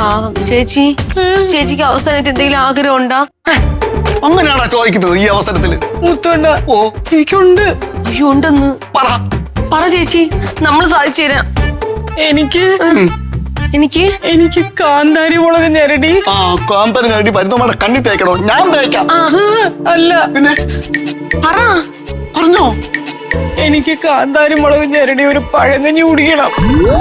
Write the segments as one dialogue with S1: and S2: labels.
S1: ചേച്ചി ചേച്ചിക്ക് അവസാനമായിട്ട് എന്തെങ്കിലും ആഗ്രഹം ഉണ്ടാ?
S2: അങ്ങനെയാണോ ചോദിക്കുന്നത് ഈ അവസരത്തില്?
S3: മുത്തോണ്ട
S2: ഓ
S3: എനിക്കുണ്ട്.
S1: അയ്യോ ഉണ്ടെന്ന്
S2: പറ
S1: ചേച്ചി, നമ്മൾ സാധിച്ചു തരാം.
S3: എനിക്ക്
S1: എനിക്ക്
S3: എനിക്ക് കാന്താരി മുളക് ഞെരടി.
S2: കാന്താരി ഞെരടി മരുന്നമ്മയുടെ കണ്ണി തേക്കണോ? ഞാൻ തേക്കാം.
S3: അല്ല
S2: പിന്നെ പറഞ്ഞോ.
S3: എനിക്ക് കാന്താരി മുളക് ഞെരടി ഒരു പഴങ്കഞ്ഞി കുടിക്കണം.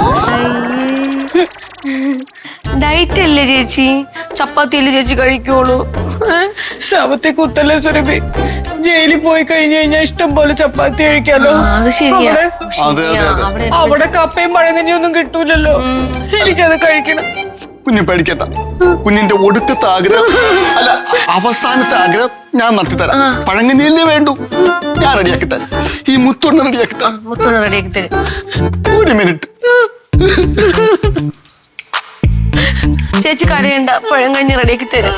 S1: ഡയറ്റ് അല്ലേ ചേച്ചി? ചപ്പാത്തി അല്ലേ ചേച്ചി കഴിക്കുള്ളൂ?
S3: ശവത്തെ കുത്തല്ലേ സുരഭി. ജയിലിൽ പോയി കഴിഞ്ഞു കഴിഞ്ഞാൽ ഇഷ്ടം പോലെ ചപ്പാത്തി കഴിക്കാലോ.
S1: അത് ശരിയാ.
S3: അവിടെ കപ്പയും പഴങ്കഞ്ഞിയും ഒന്നും കിട്ടൂലല്ലോ. എനിക്കത് കഴിക്കണം.
S2: കുഞ്ഞു പേടിക്കട്ട. കുഞ്ഞിന്റെ ഒടുക്കത്തെ ആഗ്രഹം അല്ല അവസാനത്തെ ആഗ്രഹം ഞാൻ നടത്തിത്തരാം. പഴങ്കഞ്ഞിയല്ലേ വേണ്ടു, ഞാൻ റെഡിയാക്കി തരാം. ഈ മുത്തൊന്ന് റെഡിയാക്കി തരാം. ഒരു മിനിറ്റ്.
S1: ചേച്ചി കരയണ്ട, പഴങ്കഞ്ഞി റെഡിയാക്കി തരാം.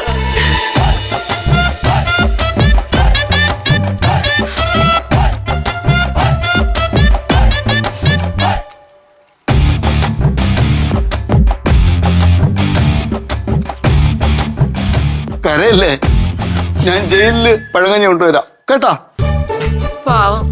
S2: കരയല്ലേ, ഞാൻ ജയിലില് പഴങ്കഞ്ഞി കൊണ്ടുവരാം കേട്ടാ.
S1: പാവം.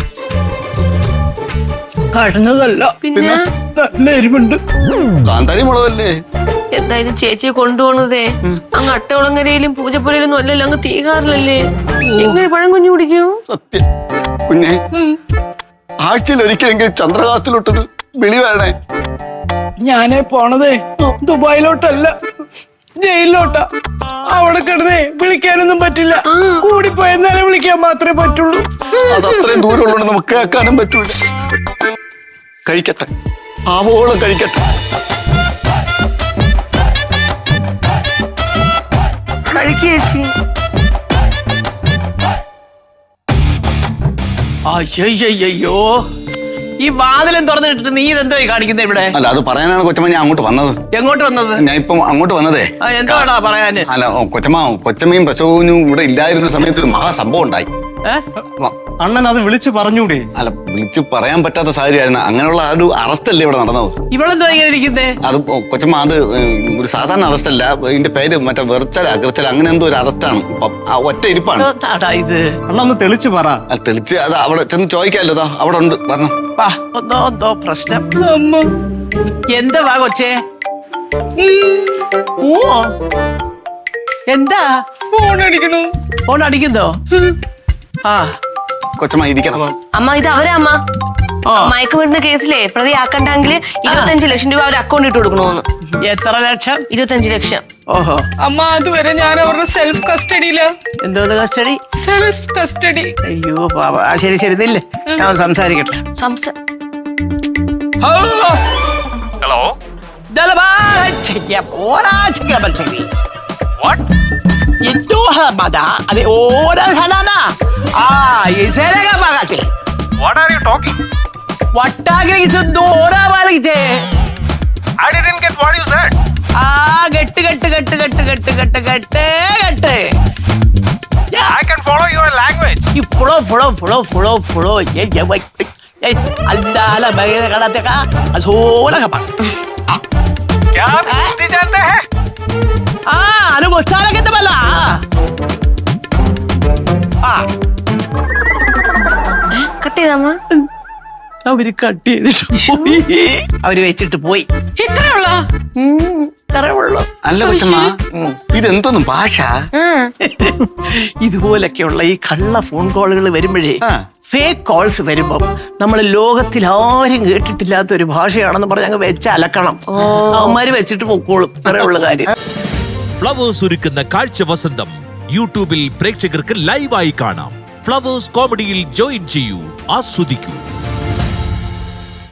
S3: കടന്നതല്ല,
S1: പിന്നെ
S3: നല്ല എരിവുണ്ട്.
S2: കാന്താരി മുളകല്ലേ.
S1: എന്തായാലും ചേച്ചിയെ കൊണ്ടുപോണതേ അങ്ങ് അട്ടകുളങ്ങരയിലും പൂജപ്പുരയിലൊന്നും അല്ലല്ലോ, അങ്ങ് തീകാറിലല്ലേ. എങ്ങനെ പഴങ്കഞ്ഞി കുടിക്കും?
S2: സത്യം കുഞ്ഞെ, ആഴ്ചയിൽ ഒരിക്കലെങ്കിലും ചന്ദ്രകാശത്തിലോട്ടൊരു വിളി വരണേ.
S3: ഞാനേ പോണതേ ദുബായിലോട്ടല്ല, ജയിലിലോട്ടാ. അവിടെ കിടന്നേ വിളിക്കാനൊന്നും പറ്റില്ല. കൂടിപ്പോയെന്നാലേ വിളിക്കാൻ മാത്രമേ പറ്റുള്ളൂ.
S2: അത് അത്രയും ദൂരമുള്ളതുകൊണ്ട് നമുക്ക് കേൾക്കാനും പറ്റൂല. കഴിക്കട്ടെ, ആവോളം കഴിക്കട്ടെ.
S1: കഴിക്കേച്ചി.
S4: അയ്യോ, ഈ വാതിലും തുറന്നിട്ടിട്ട് നീ ഇതെന്തോ കാണിക്കുന്നത് ഇവിടെ?
S2: അല്ല അത് പറയാനാണ് കൊച്ചമ്മ ഞാൻ അങ്ങോട്ട് വന്നത്.
S4: എങ്ങോട്ട് വന്നത്?
S2: ഞാൻ ഇപ്പം അങ്ങോട്ട് വന്നതേ.
S4: എന്താടാ പറയാന്?
S2: അല്ല കൊച്ചമ്മയും പ്രസവനും ഇവിടെ ഇല്ലായിരുന്ന സമയത്ത് ഒരു മഹാസംഭവം ഉണ്ടായി.
S5: അണ്ണൻ അത് വിളിച്ചു പറഞ്ഞൂടെ?
S2: അല്ല വിളിച്ചു പറയാൻ പറ്റാത്ത സാഹചര്യമായിരുന്നു. അങ്ങനെയുള്ള ആ ഒരു അറസ്റ്റ് അല്ലേ ഇവിടെ നടന്നത്.
S4: ഇവളെന്തോ ഇങ്ങനെ ഇരിക്കുന്നേ?
S2: അത് കൊച്ചമ്മ അത് ഒരു സാധാരണ അറസ്റ്റ് അല്ല. ഇതിന്റെ പേര് മറ്റേ വെർച്ചൽ അകർച്ചൽ അങ്ങനെ എന്തോ ഒരു അറസ്റ്റാണ്. ഒറ്റ ഇരിപ്പാണ്
S4: ഇത്.
S5: അണ്ണ ഒന്ന് തെളിച്ചു പറ.
S2: തെളിച്ച് അത് അവിടെ ചെന്ന് ചോദിക്കാമല്ലോ. അതാ അവിടെ ഉണ്ട്, പറഞ്ഞു.
S4: എന്തോ പ്രശ്നം. എന്താ കൊച്ചേ? ഓ എന്താ
S3: ഫോൺ അടിക്കണോ?
S4: ഫോൺ അടിക്കുന്നോ?
S2: കൊച്ചമ്മ ഇരിക്കണം.
S1: അമ്മ ഇത് അവരാ അമ്മ. മയക്കുമരുന്ന് കേസിലെ പ്രതിയാക്കണ്ടെങ്കിൽ 25 ലക്ഷം രൂപ അവർ അക്കൗണ്ട് ഇട്ട് കൊടുക്കണോന്ന്.
S4: എത്ര ലക്ഷം?
S1: 25 ലക്ഷം.
S4: ഓഹോ.
S3: അമ്മ അതുവരെ ഞാൻ അവരുടെ സെൽഫ് കസ്റ്റഡിയില.
S4: എന്തോ കസ്റ്റഡി?
S3: Self custody.
S4: അയ്യോ പാവ. ശരി ശരി, നില്ലേ, ഞാൻ സംസാരിക്കട്ടെ.
S5: ഹലോ.
S4: अरे ओरा sana na. इसे लगा पागल.
S5: What are you talking?
S4: What are you doing? ओरा वाले थे.
S5: I didn't get what you said.
S4: गट्ट.
S5: Yeah, I can follow your language.
S4: You follow. ये भाई. अल्लाह ला बैठे कराते का. असोला का पाग.
S5: क्या आप हिंदी जानते हैं?
S4: अरे वो साला कितना बला?
S1: കട്ട് ചെയ്തമ്മ.
S4: അവര് കട്ട് ചെയ്തിട്ട് പോയി. അവര് വെച്ചിട്ട് പോയി. ഇത്രേ ഉള്ളൂ.
S2: അല്ല കൊച്ചമ്മ, ഇതെന്തോന്നും ഭാഷ?
S4: ഇതുപോലൊക്കെയുള്ള ഈ കള്ള ഫോൺ കോളുകൾ വരുമ്പോഴേ, ഫേക്ക് കോൾസ് വരുമ്പോ നമ്മൾ ലോകത്തിൽ ആരും കേട്ടിട്ടില്ലാത്ത ഒരു ഭാഷയാണെന്ന് പറഞ്ഞ് അങ്ങ് വെച്ച് അലക്കണം. അവന്മാര് വെച്ചിട്ട് പൊക്കോളും. ഇത്രേ ഉള്ള കാര്യം.
S6: ഫ്ലവേഴ്സ് ഒരുക്കുന്ന കാഴ്ച വസന്തം യൂട്യൂബിൽ പ്രേക്ഷകർക്ക് ലൈവായി കാണാം. ഫ്ലവേഴ്സ് കോമഡിയിൽ ജോയിൻ ചെയ്യൂ, ആസ്വദിക്കൂ.